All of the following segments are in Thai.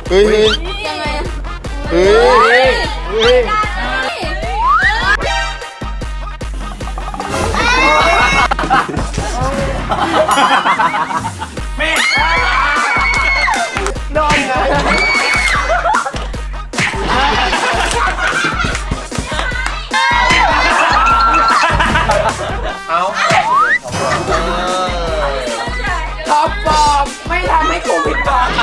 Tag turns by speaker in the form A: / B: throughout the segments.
A: เฮ้ย
B: ยังไง
A: เฮ้ยเฮ้ย
C: ไม่
A: นอนไงเอาท็อปฟอร์มไม่ทำให้กูผิดหวัง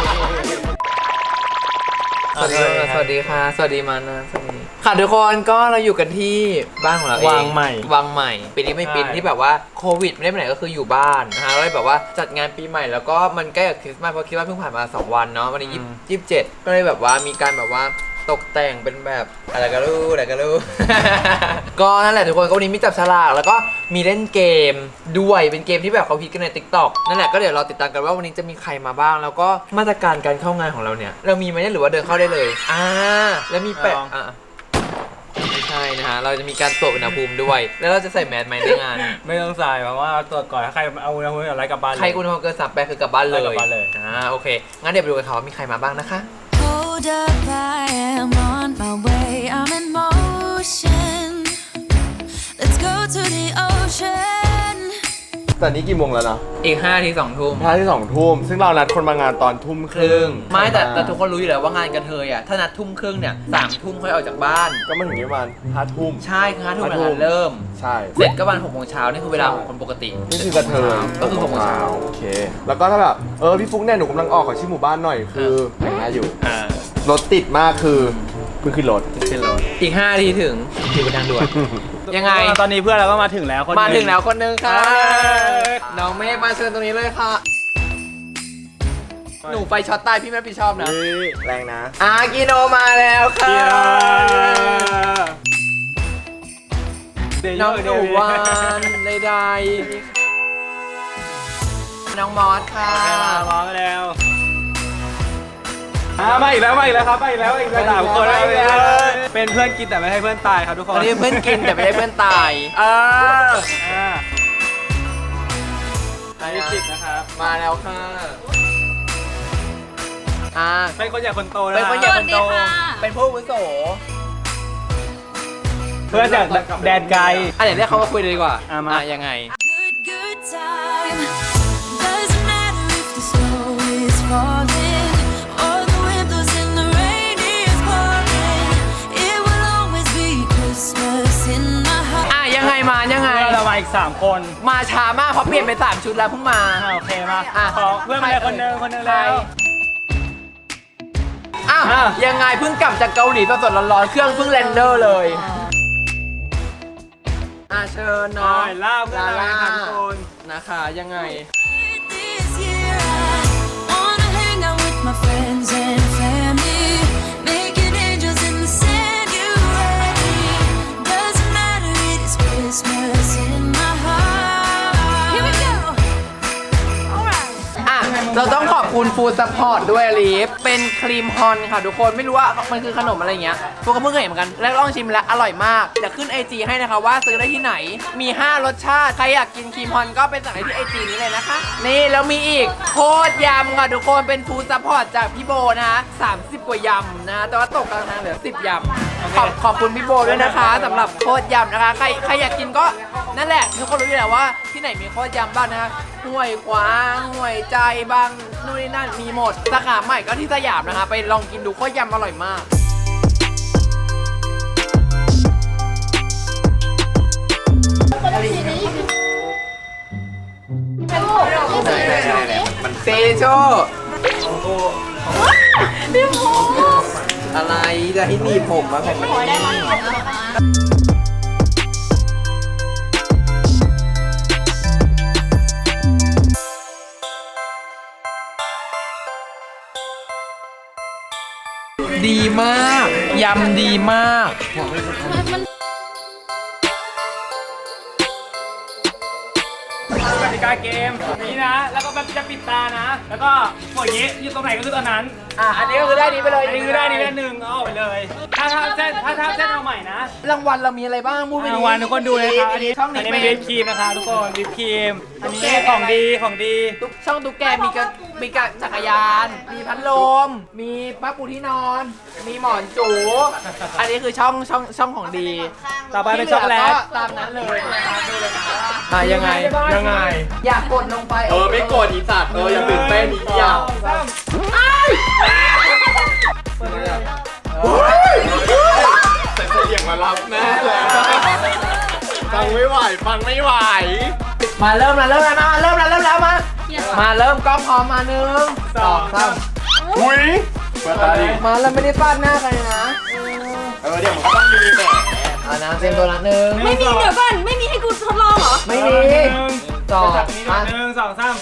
A: สวัสดีค่ะสวัสดีมานะสวัสดีค่ะทุกคนก็เราอยู่กันที่บ้านของเราเองวังใหม่ปีนี้ไม่ปีที่แบบว่าโควิดไม่ได้ไปไหนก็คืออยู่บ้านนะฮะเลยแบบว่าจัดงานปีใหม่แล้วก็มันใกล้กับคริสต์มาสเพราะคิดว่าเพิ่งผ่านมา2 วันเนาะวันนี้27ก็เลยแบบว่ามีการแบบว่าตกแต่งเป็นแบบอะไรก็รู้ก็นั่นแหละทุกคนก็วันนี้มีจับฉลากแล้วก็มีเล่นเกมด้วยเป็นเกมที่แบบเขาฮิตกันใน TikTok นั่นแหละก็เดี๋ยวเราติดตามกันว่าวันนี้จะมีใครมาบ้างแล้วก็มาตรการการเข้างานของเราเนี่ยเรามีไหมหรือว่าเดินเข้าได้เลยแล้วมีแปะไม่ใช่นะฮะเราจะมีการตรวจอุณหภูมิด้วยแล้วเราจะใส่แมสไหมในงาน
C: ไม่ต้องใส่เพราะว่าตรวจก่อนถ้าใครเอาอุณหภูมิอะไรกลับบ้าน
A: ใครอุณหภูมิเกิน38คือกลับบ้านเลยโอเคงั้นเดี๋ยวไปดูกันค่ะว่ามีใครมาบ้างนะคะ
D: Hold up, I am on my way. I'm in motion. Let's go to the ocean.
A: ตอนนี้กี่โมงแล้วนะอีก5 ที 2 ทุ่ม5 ที 2 ทุ่มซึ่งเรานัดคนมางานตอนทุ่มครึ่งไม่แต่ทุกคนรู้อยู่แล้วว่างานกระเทยอ่ะถ้านัดทุ่มครึ่งเนี่ย3 ทุ่มค่อยออกจากบ้านก็มาถึงประมาณ5 ทุ่มใช่คือ5 ทุ่มงานเริ่มใช่เสร็จก็ประมาณ6 โมงเช้านี่คือเวลาของคนปกตินี่คือกระเทยก็คือ6 โมงเช้าโอเคแล้วก็ถ้าแบบพี่ฟุ๊กเนี่ยหนูกำลังออกของชื่อหมู่บ้านหน่อยคือแต่งหน้าอยู่รถติดมากคือเพิ่งขึ้นรถอีก5 ทีถึงอยู่บนทางด่วนยังไง
C: ตอนนี้เพื่อนเราก็มาถึงแล้วคน
A: นึงค่ะน้องเมฆมาเชิญตรงนี้เลยค่ะหนูไฟช็อตตายพี่ไม่รับผิดชอบนะแรงนะกิโนมาแล้วค่ะน้องหนูวานใดๆน้องมอสค่ะ
C: มาแล้วมาอีกแล้วครับมาอีกแล้ว3 คนเป็นเพื่อนกินแต่ไม่ให้เพื่อนตายครับทุกคน
A: อันนี้เพื่อนกินแต่ไม่ได้เพื่อนตาย
C: จิตนะครับ
A: มาแล้วค่ะ
C: เป็นคนใหญ่คนโตนะ
A: เป็นคนใหญ่คนโตเป็นผู้อาวุโส
C: เพื่อนจากแดนไกล
A: เดี๋ยวเรียกเขามาคุยเลยดีกว่ายังไง
D: Good time. Doesn't matter if the snow is falling or the wind blows and the rain is pouring. It will always be Christmas in my heart.
A: ยังไง
C: เรามาอีก3 คน
A: มาช้ามากเพราะเปลี่ยนไป3 ชุดแล้วเพิ่งมา
C: โอเคมาขอเพื่อนมาคนนึงแล้ว
A: ยังไงเพิ่งกลับจากเกาหลีสดๆร้อนๆเครื่องเพิ่งแลนเดอร์เลยเชิญน้อง
C: ล่าเพื่อนเราทั้งคน
A: นะคะยังไง
D: This year I wanna hang out with my friends and family, making angels in the sand. You ready? Doesn't matter, it is Christmas in my heart. Here we go. Alright.
A: เราต้องขอบคุณฟู้ดซัพพอร์ตด้วยลีฟเป็นครีมฮอนค่ะทุกคนไม่รู้ว่ามันคือขนมอะไรเงี้ยพวกก็เพิ่งเห็นเหมือนกันแล้วลองชิมแล้วอร่อยมากเดี๋ยวขึ้น IG ให้นะคะว่าซื้อได้ที่ไหนมี5 รสชาติใครอยากกินครีมฮอนก็ไปสั่งได้ที่ IG นี้เลยนะคะนี่แล้วมีอีกโคตรยำค่ะทุกคนเป็นฟู้ดซัพพอร์ตจากพี่โบนะคะ30 กว่ายำนะแต่ว่าตกกลางทางเหลือ10 ยำขอบคุณพี่โบด้วยนะคะสำหรับโคตรยำนะคะใครอยากกินก็นั่นแหละทุกคนรู้อยู่แล้วว่าที่ไหนมีโคตรยำบ้างนะคะห้วยขวางห้วยใจบางนู่นนี่นั่นมีหมดสาขาใหม่ก็ที่สยามนะคะไปลองกินดูโคตรยำอร่อยมากเซโชพี่ผมอะไรจะให้หนีผมมาผมไม่ได้ดีมากยำดีมาก
C: กาเกมนี้นะ แล้วก็แบบจะปิดตานะ แล้วก็กดอย่างนี้อยู่ตรงไหนก็คือตอนนั้น
A: อันนี้ก็คือได้นี้ไปเลย
C: อันนี้คือได้นี่ได้หนึ่งเอาออกไปเลย ถ้าเส้นเอาใหม่นะ
A: รางวัลเรามีอะไรบ้างพูดไปดิ
C: รางวัลทุกคนดูเลยครับอันนี้
A: ช่องนี้
C: เป็น
A: เป็
C: วิ
A: น
C: ปครีมนะคะทุกคนวิปครีมอันนี้ของดี
A: ช่องตุ๊กแกมีกระจักรยาน มีพัดลม มีผ้าปูที่นอน มีหมอนจู อันนี้คือช่องของดี
C: ต่อไปเป็นช็อกโกแลต
A: ที่เหก็ตามนั้นเลยนะครับดูเลยนะยังไง อยากกดลงไป
B: ไม่กดอีสัตว์อย่าตื่นเต้นอีกอย่าง แต่เสียงมารับแน่เลยฟังไม่ไหว
A: มาเริ่มแล้วมา เริ่มกล้องพร้อมมา1 2 3
B: อุ้ยเปิดตาดิ
A: มาแล้วไม่ได้ฟาดหน้าใครนะ
B: เดี๋ยวมันก็ต้องมีแหม
A: นะเตรียมตัวละ1
E: ไม่มีเดี๋ยวก่อนไม่มีให้กูทดลองเหรอ
A: ไม่มีสอง
C: มา
A: มา
C: หนึ่งสองสาม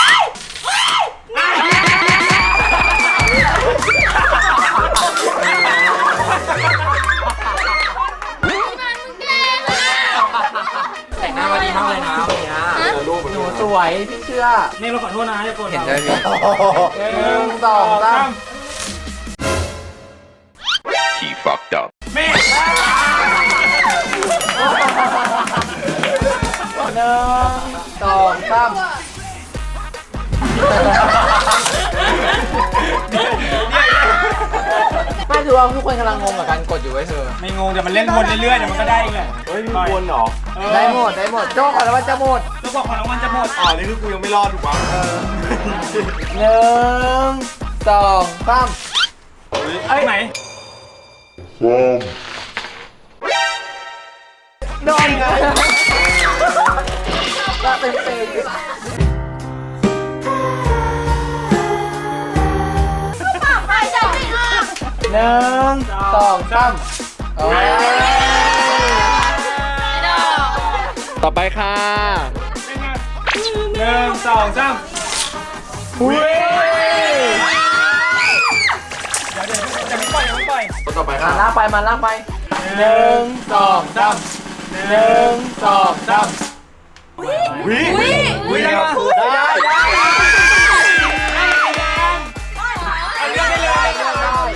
A: แต่งหน้ามาดีมากเลยนะวันนี้หนูสวยพี่เชื่อ
C: นี่เราขอโทษนะอย่าโกรธ
A: เห็น
C: เรา
A: ได้ไหม
C: 1 2 3
B: He fucked up
C: แม่
A: 1 2 3ไม่คือว่าทุกคนกำลังงงกับการกดอยู่ไว้เธอ
C: ไม่งงเดี๋ยวมันเล่นวนเรื่อยๆเดี๋ยวมันก็ได้เองแหละ
B: เฮ้ยมีวนเหรอ
A: ได้หมดโจ้ก่อนแล้วมันจะหมด
C: แล้วบอกของรางวัลจะหมด
B: นี่คือกูยังไม่รอดถูกปะ
A: 1 2 3
C: เอ้ยไหน
A: โดนไงก็เต็ม
E: ไปจับไม่ออก
A: 1 2 3โอ้ย
B: ต่อไปค่ะ
C: 1 2 3
A: อุ้ย
C: เดี๋ยวจะไม่ปล่อยยังไม่ปล่อย
B: คนต่อไป
A: มา
B: ค่ะ
A: ลากไป1 2 3 1 2 3
C: อุ้ยได้ปะ
B: ได้
C: เอาเรื่องได้เลยอย่างนี้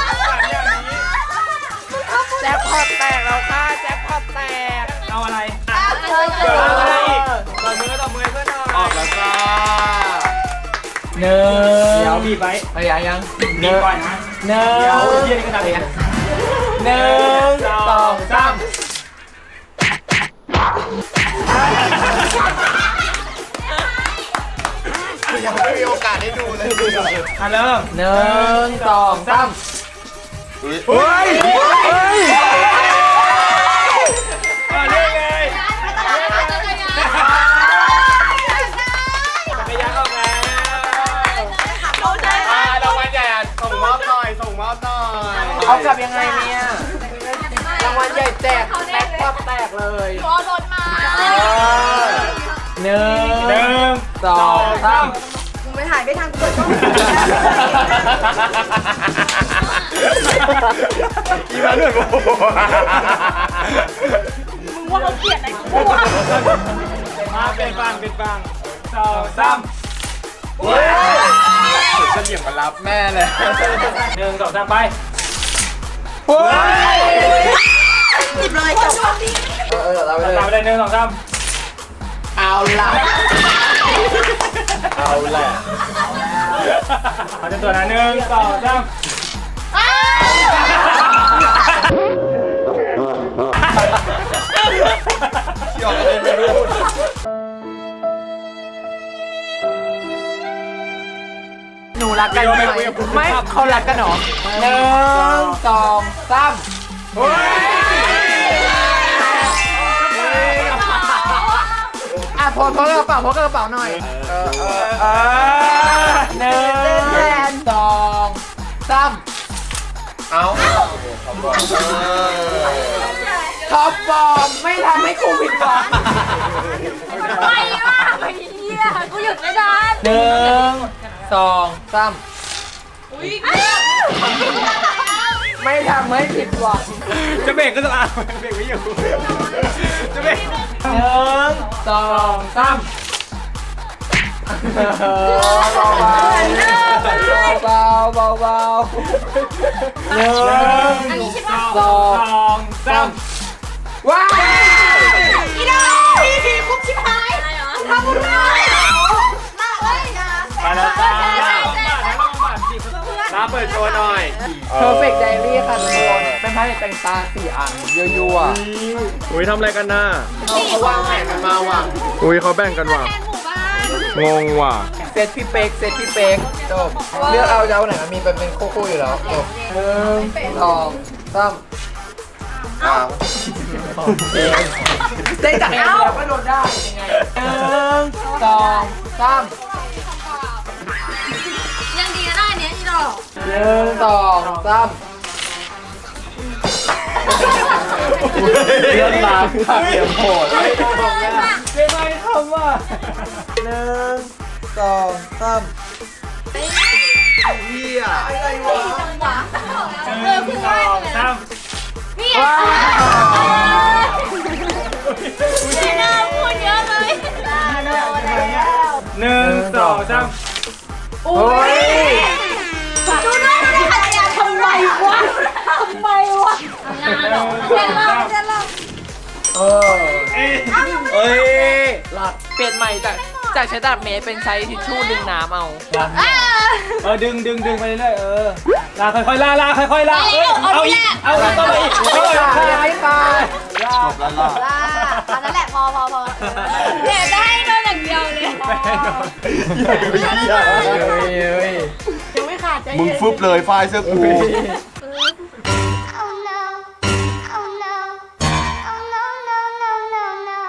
A: แจ็คพอตแตกแล้วค่ะแจ็คพอตแตก
C: เอาอะไร
A: เกิดอะไร
C: ต่อมือเพื่อนหน่อย
B: ออกแล้วจ้า
A: หนึ่ง
C: เดี๋ยวบีบไว้
A: ไปยัง
C: บีบก่อนนะ
A: หนึ่ง
C: เดี๋ยวเยี่ยนี่ก็ดังเลย
A: 1 2 3
B: ยังไม่มีโอกาสได้ดูเลย
C: อ่ะเริ่ม
A: 1 2 3
B: เฮ้ย
C: เฮ้ยเรื่อยเลยจักรยานออกแล้ว
B: รางวัลใหญ่ส่งมอบหน่อย
A: เอากลับยังไงเนี่ยรางวัลใหญ่แจกแจ็คพอตแตกเลย
E: รอรถมา
A: หนึ่
C: หนึ่
A: ง
C: ง
A: สองสาม
E: มึงไปถ่ายไม่ทันกูเปิดกล้อง
B: อีมาด้วยโอ้โห
E: มึงว่าเขาเกลียดอะไรกูวะ
C: มาเป็นฟังสองสาม
B: เฉลี่ยมารับแม่เลย
C: 1 2 3ไป
E: หยิบเลยจบ
A: เราไป
C: ตาม
A: เลย
C: ไปเลย1 2 3
A: เอาละ
B: เอาแหละ
C: เอาจนตัวนะ1 2 3
B: หยอกกันไม่รู้
A: หนูรักกันไหมไม่เขารักกันเหรอ1 2 3อ่ะโพสกระเป๋ากระเป๋าหน่อย1 2 3
B: เอา
A: ท็อปฟอร์มไม่ทำให้กูผิดหวัง
E: ไปอ่ะไอ้เหี้ยกูหยุดไม่ได้
A: 1 2 3ไม่ทำให้ผิดหวัง
C: จะเบรกก็จะเบรกไม่อยู่จะเบรก
A: 1 2 3 เบาเบาเบาหนึ่ง
E: อันนี้ใช่ปะ
A: สองสามว้าว
E: อีดาพี่คุกชิบหายทำบุญได้มาเลยนะ
C: ไปแล้วจ้าลาเปิดโชว์หน่อย
A: Perfect Diary ค่ะทุกคนเป็นไพ่แต่งตา4 อันยั่ว
B: อุ้ยทำอะไรกันน่ะ
A: ๆเขาวางแผนกันมาว่ะ
B: อุ้ยเขาแบ่งกันว่ะ
E: แทนหมู่บ้าน
B: งงว่ะ
A: เซตพี่เป๊กเซตพี่เป๊กจบเลือกเอาจะเอาไหนมันมีเป็นคู่ๆอยู่แล้วจบหนึ่งสองสามได้จากแล้วก็โดนได้ยังไงหนึ่งสองสาม
E: ยังดีนะได้เนี้ยอีดอก
A: หนึ่งสองสาม
C: เรื่องราวผักเยี่ยมโหด
A: เรียกไม่ทำว่ะหนึ่งสองสาม
B: เฮีย
E: จังหวะคือว่าพี่
A: ว้าว
E: ไม่น่าพูดเยอะเลย
C: 1 2 3
A: โอ้ย
E: ดูด้วยไม่ได้ขัดยาทำไมวะทำไมวะเรียนเล่า
A: เออ
C: เอ้ย
A: หลัดเปลี่ยนใหม่จากใช้ตลับเมตรเป็นใช้ทิชชู่ดึงน้ำเอา
C: ดึงไปเรื่อยลาค่อยๆลาค่อยๆลาเอาอีกเอาต่อไปอีก
A: ไม่ตายไม่ตาย
B: จบแล้วล่ะ
E: อันนั้นแหละพอเนี่ยได้โดนอย่างเดียวเลยยังไม่ขาดใจ
B: มึงฟึบเลยไฟล์เสื้อกู
D: Oh no. Oh no. Oh no, no, no, no, no.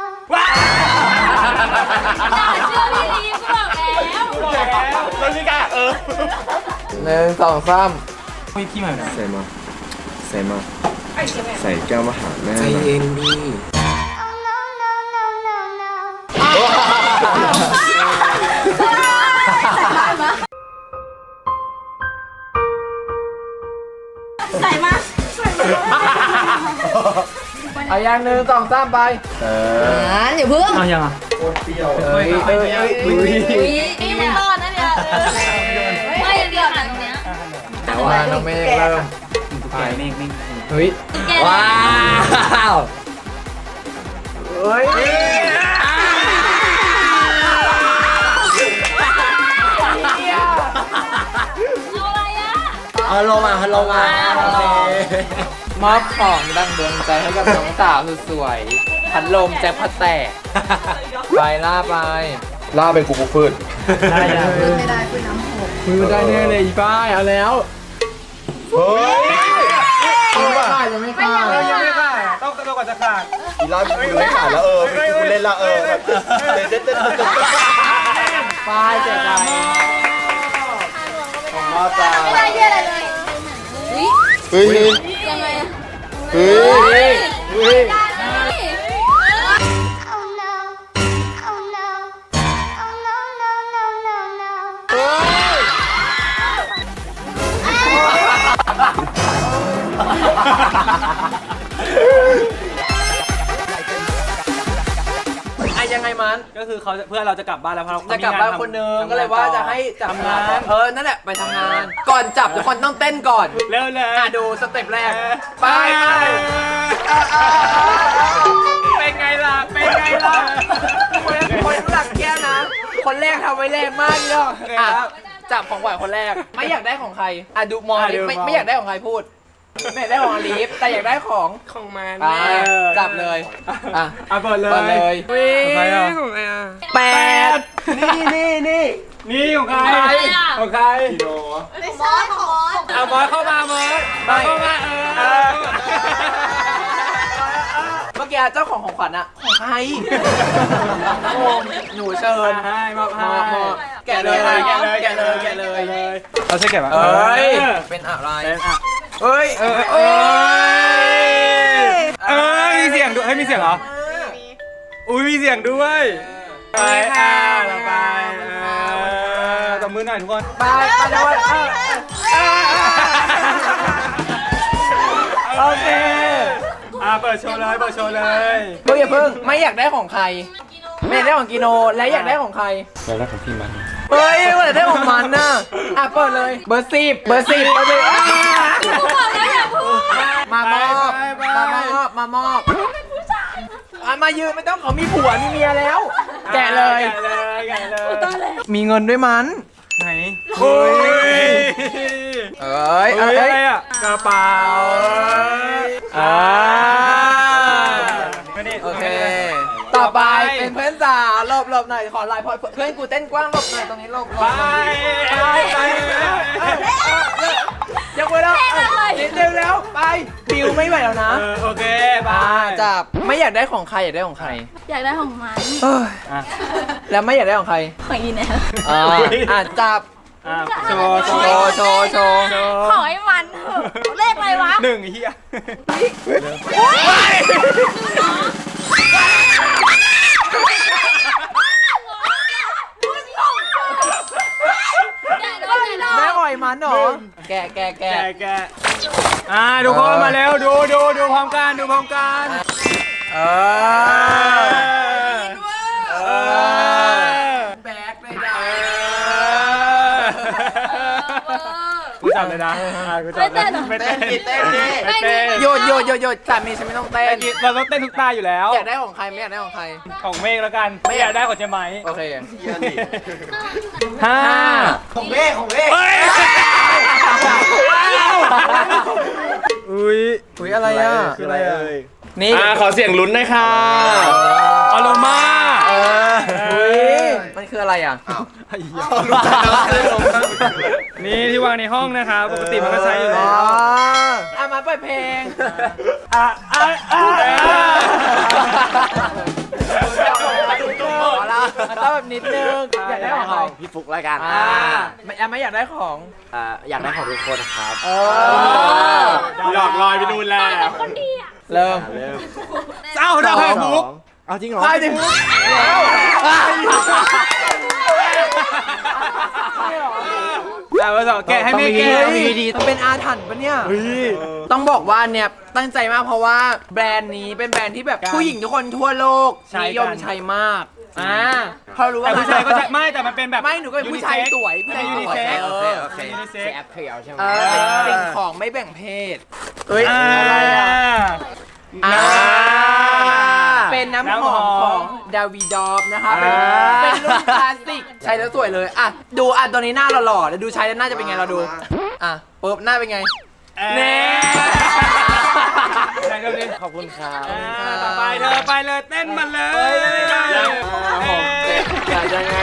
E: เชื่อพี่ลีก็บอกแล้ว
C: แล้วนี่กะ
A: หนึ่งสองสาม
C: มีพี่ใหม่นะ
B: ใส่มาใส่แก้วมาหาแม่ใจเย็นดี
D: Oh no, no, no, no, no.
E: ใส่มา
A: เอาอย่างหนึ่งสองสามไป
E: อย่าเพิ่ง
C: เอายังอ่ะ
A: เฮ้ยเฮ้ยเฮ้ย
E: นี่ไม่รอดนะเนี่ยไม่อย่างเดียวแต่ตรงเนี้ย
A: แต่ว่าน้องเมฆเริ่ม
C: ไปเมฆ
A: เฮ้ยว้าวเฮ้ย
E: เอาอะไรอ่ะ
A: ฮัลโหลมาฮัลโหลมาโอเคมอบของดังดวงใจให้กับน้องสาวสุดสวยพัดลมแจ็คพัดแตกไปล่าไป
B: ล่าเป็นกูฟืด
C: ได้ยัง
A: มือได้แน่เลยอีป้ายเอาแล้ว
B: เฮ้ย
A: ยังไม่ขาดยังไม่ขาด
C: ยังไม่ค่ะต้องกระโดดก่อนจะขาด
B: อีล่ากูเล่นขาดแล้วกูเล่นละแบบเต้น
A: ป้ายเจ็บใจของพ่อจ้า
E: ไม่ได้เยี่ยอะไรเลย
B: เฮ้ย
E: ยังไงอะ
B: เฮ้ย
A: เฮ้ย
D: Oh no. Oh no. Oh no, no, no, no, no.
A: อะยังไงมัน
C: ก็คือเขาเพื่อนเราจะกลับบ้านแล้วเพราะ
A: จะกลับบ้านคนนึงก็เลยว่าจะให้จับงานนั่นแหละไปทำงาน ก่อนจับทุกคนต้องเต้นก่อน
C: เร็วเลย
A: ดูสเต็ปแรกไปเป็นไงล่ะเป็นไงล่ะคนหลักแก้วนะ คนแรกทำไว้แรงมากเนาะจับของขวัญคนแรกไม่อยากได้ของใครดูมองดิไม่อยากได้ของใครพูดไม่อยากได้ของอลีฟแต่อยากได้ของมัน จับเลย
C: เปิดเลย
A: มาเลยวิ่ง
C: ใครอ่ะ
A: 8นี่ของใคร
C: ของใคร
E: บอสของบอส
C: เอาบอสเข้ามามอสเข้ามา
A: เมื่อกี้เจ้าของขวัญอะของใครหนูเชิญ
C: ให้มอบให้
A: แกะเลยแกะเลย
C: เราใช่แกะป่ะ
A: เป็นอะไร
C: เอ้ยมีเสียงด้วยมีเสียงเหรออุ้ยมีเสียงด้วยไปเราไปตบมือหน่อยทุกคน
A: ไปด้วย
C: โอเคเปิดโชว์เลย
A: เพิ่งอย่าเพิ่งไม่อยากได้ของใครไม่อยากได้ของกิโนและอยากได้ของใคร
C: อยากได้ของพี่มัน
A: เฮ้ยว่าอยากได้ของมันน่ะอ่ะเปิดเลยเบอร์10เบอร์10เบอร์10อ่ะ
E: กูบอกแล้วอย่าพูด
A: มามอบมามอบอ่ะมายืนไม่ต้องเขามีผัวมีเมียแล้ว แกะเลย
C: แกะเลย
E: ตอนแรก
A: มีเงินด้วยมัน
C: ไหนโอ้ย
A: เอ้ย
C: อะไรอ่ะกระเป๋า
A: โอเค ต่อไปเป็นเพื่อนสาวหลบหน่อยขอไลน์พอเพื่อนกูเต้นกว้างหลบหน่อยตรงนี้หลบ
C: ไป
A: ยังไงแล้วนิดเดียวแล้วไปบิวไม่ไหวแล้วนะ
C: โอเคไป
A: จับไม่อยากได้ของใครอยากได้ของใคร
E: อยากได้ของมัน
A: แล้วไม่อยากได้ของใคร
E: ของอีแนท
A: จับ
C: โชว์
E: ของไอ้มันเถอะเลขอะไรวะ
C: 1เฮีย
A: แม่อ่อยมันเหรอแกะ
C: แกทุกคนมาแล้วดูพร้อมกัน
A: แบกเลยนะ
C: กูจับเลยนะกูจับไม่เต้น
A: โยดสามีฉันไม่ต้องเต้น
C: เราต้องเต้นทุกตาอยู่แล้ว
A: อยากได้ของใครไม่อยากได้ของใคร
C: ของเมฆแล้วกันไม่อยากได้ของเจไหม
A: โอเค
C: 5
A: ของเมฆ
C: เฮ้ยอุ้ย
A: อะไรอ่ะ
C: คืออะไรอ่ะ
A: นี่
B: ขอเสียงลุ้นหน่อยค่ะ
C: อโรมา
A: มันคืออะไรอ่ะ
C: นี่ที่วางในห้องนะครับปกติมันก็ใช้อยู่แล้ว
A: มาเปิดเพลงต้องแบบนิดนึงอยากได้ของใคร
F: พี่ฟุกแล้วกัน
A: ไม่อยากได้ของ
F: อยากได้ของทุกคนครับ
B: หลอกลอยไปนู่นแล้ว
E: คนดีอ่ะ
A: เริ่ม
C: เอ้าได้ไข่ฟุก
F: เอาจริงเหรอ
A: ไปดิ
C: มาสองแกะให้เมฆแกะ
A: ดีมันเป็นอาถรรพ์ปะเนี่ย ต้องบอกว่าเนี่ยตั้งใจมากเพราะว่าแบรนด์นี้เป็นแบรนด์ที่แบบผู้หญิงทุกคนทั่วโลกนิยมใช้มากพอรู้ว่า
C: แต่ผู้ชายก็ใช้ไม่แต่มันเป็นแบบ
A: ไม่หนูก็เป็นผู้ชายสวยผู้ชาย
C: ยูนิ
A: สวย
C: เซ็ก
F: โอเคโอเค
C: ยูนิเซ็ก
F: แอปเพียวใช่ไหม
A: เป็นสิ่งของไม่แบ่งเพศเอ้ย เป็นน้ำหอมของดาวิดอฟนะคะเป็นรุ่นคลาสสิกใช้แล้วสวยเลยอ่ะดูอ่ะตัวนี้หน้าหล่อๆแล้วดูใช้แล้วหน้าจะเป็นไงเราดูอ่ะปุ๊บหน้าเป็นไงเน่
F: ขอบคุณครับ
C: ต่อไปเธอไปเลยเต้นมันเลย
A: ยังไง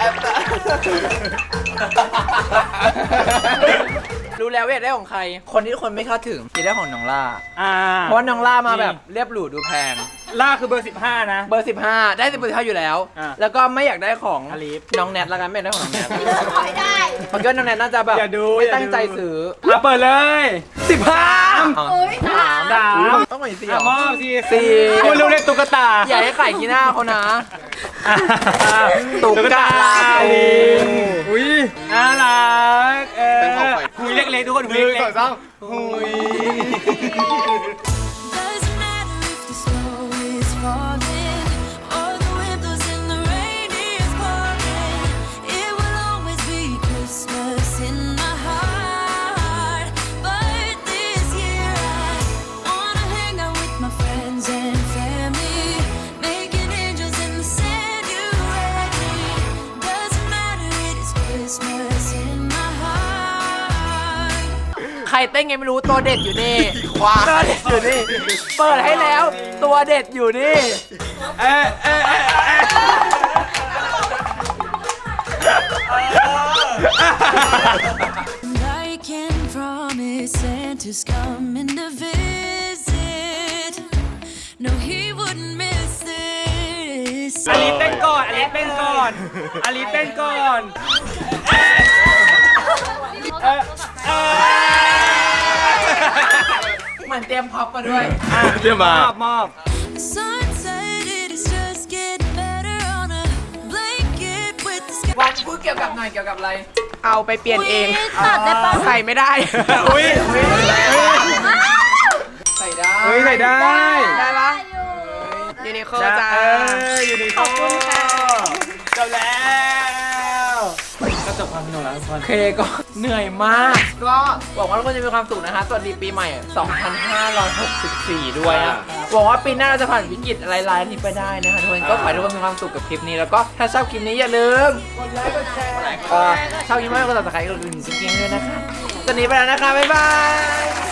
A: รู้แล้วว่าอยากได้ของใคร คนที่ทุกคนไม่คาดถึงอยากได้ของน้องล่าเพราะว่าน้องล่ามาแบบเรียบหรูดูแพง
C: ล่าคือเบอร์15นะ
A: เบอร์15ได้เบอร์15อยู่แล้ว แล้วก็ไม่อยากได้ของ
C: อลิฟ
A: น้องแนทละกันไม่อยากได้ของน้องแนท
E: ขอให้ได้
A: เพราะว่าน้องแนทน่าจะแบบ
C: อย่าดู
A: ไม่ตั้งใจซื้อ
C: เปิดเลย15
E: โอ้ยถาม
A: ต้องหน่อยสิ
C: มอบสิ
A: สี่
C: คุณรู้เล่นตุ๊กตา
A: อย่าให้ไข่ขี้หน้าเขานะ ตุ๊กตา
C: อุ้ยน่ารักหุยเล็กๆทุกคนหุยเล็ก
D: Doesn't matter if the snow is falling or the wind blows and the rain is pouring. It will always be Christmas in my heart. But this year I wanna hang out with my friends and family, making angels in the sand. You ready? Doesn't matter, it is Christmas in my heart.
A: ใครเต้นไงไม่รู้ตัวเด็ดอยู่นี่ตัวเด็ดอยู่นี่ เปิดให้แล้ว ตัวเด็ดอยู่นี่
D: And I can promise Santa's coming to visit. No, he wouldn't miss this.
C: อลิเต้นก่อนอลิเต้นก่อนอลิเต้นก่อน
A: เหมือนเตรียมพ็อปมาด้วย
B: เรียกมาม
C: อบ
D: The sun said it is just getting better on a blanket with the sky.
A: วันพูดเกี่ยวกับหน่อยเกี่ยวกับอะไร เอาไปเปลี่ยนเอง
E: ตัดได้ปะ
A: ใส่ไม่ได้
C: อุ้ย
A: ใส่ได้
C: เฮ้ยใส่ได้
A: ได้ปะยูนินิโคจ้า
C: ยูนิโค
E: ขอบคุณค่ะ
C: จบแล้วก็จบความสนุกแล้วทุกคน
A: โอเคก็เหนื่อยมาก ก็หวังว่าทุกคนจะมีความสุขนะฮะสวัสดีปีใหม่ 2564 ด้วยนะหวังว่าปีหน้าเราจะผ่านวิกฤตอะไรๆนี้ไปได้นะฮะทุกคนก็ขอให้ทุกคนมีความสุขกับคลิปนี้แล้วก็ถ้าชอบคลิปนี้อย่าลืมกดไลค์กดแชร์ชอบคลิปมากกดติดตามกดกระดิ่งจริงๆด้วยนะคะตอนนี้ไปแล้วนะคะบ๊ายบาย